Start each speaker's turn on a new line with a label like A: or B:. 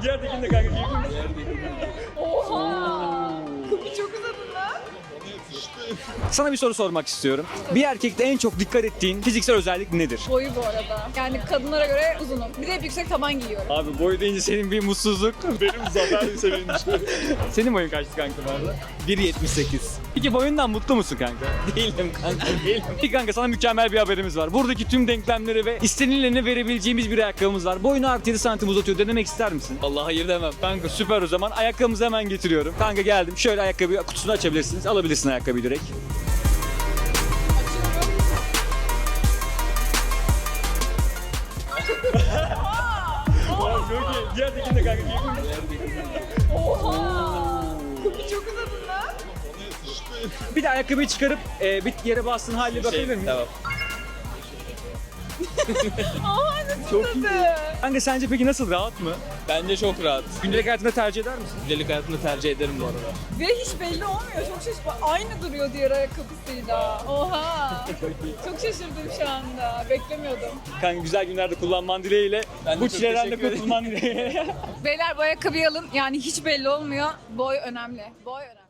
A: Diğer tekini de kanka giyebilir misin?
B: Oha! Kapı çok uzadın lan.
A: Sana bir soru sormak istiyorum. Bir erkekte en çok dikkat ettiğin fiziksel özellik nedir?
B: Boyu bu arada. Yani kadınlara göre uzunum. Bir de hep yüksek taban giyiyorum.
A: Abi boy deyince senin bir mutsuzluk. Benim zafer sevinç. Senin boyun kaçtı kanka bu arada?
C: 1.78.
A: Peki boyundan mutlu musun kanka?
C: Değilim kanka, değilim.
A: Peki kanka sana mükemmel bir haberimiz var. Buradaki tüm denklemleri ve istenileni verebileceğimiz bir ayakkabımız var. Boyunu artı 7 santim uzatıyor. Denemek ister misin?
C: Vallahi hayır demem.
A: Kanka süper o zaman. Ayakkabımızı hemen getiriyorum. Kanka geldim. Şöyle ayakkabı kutusunu açabilirsiniz. Alabilirsin ayakkabıyı direkt. Çok iyi. Diğer tekini de kanka giyebilir misin?
B: Oha! Kapı çok uzadın lan.
A: Bir de ayakkabıyı çıkarıp bir yere bastığın haline bakabilir miyim?
C: Tamam.
B: Oha nasıl
A: Çok
B: uzadı?
A: Kanka sence peki nasıl? Rahat mı?
C: Bence çok rahat.
A: Gündelik hayatında tercih eder misin?
C: Gündelik hayatımda tercih ederim bu arada.
B: Ve hiç belli olmuyor. Çok şaşırdım. Aynı duruyor diğer ayakkabısıyla. Oha! Çok şaşırdım şu anda. Beklemiyordum.
A: Kanka güzel günlerde kullanman dileğiyle.
C: Ben de
A: Bu
C: çok
A: çileden de
C: teşekkür ederim.
A: kurtulman dileğiyle.
B: Beyler bu ayakkabıyı alın. Yani hiç belli olmuyor. Boy önemli. Boy önemli.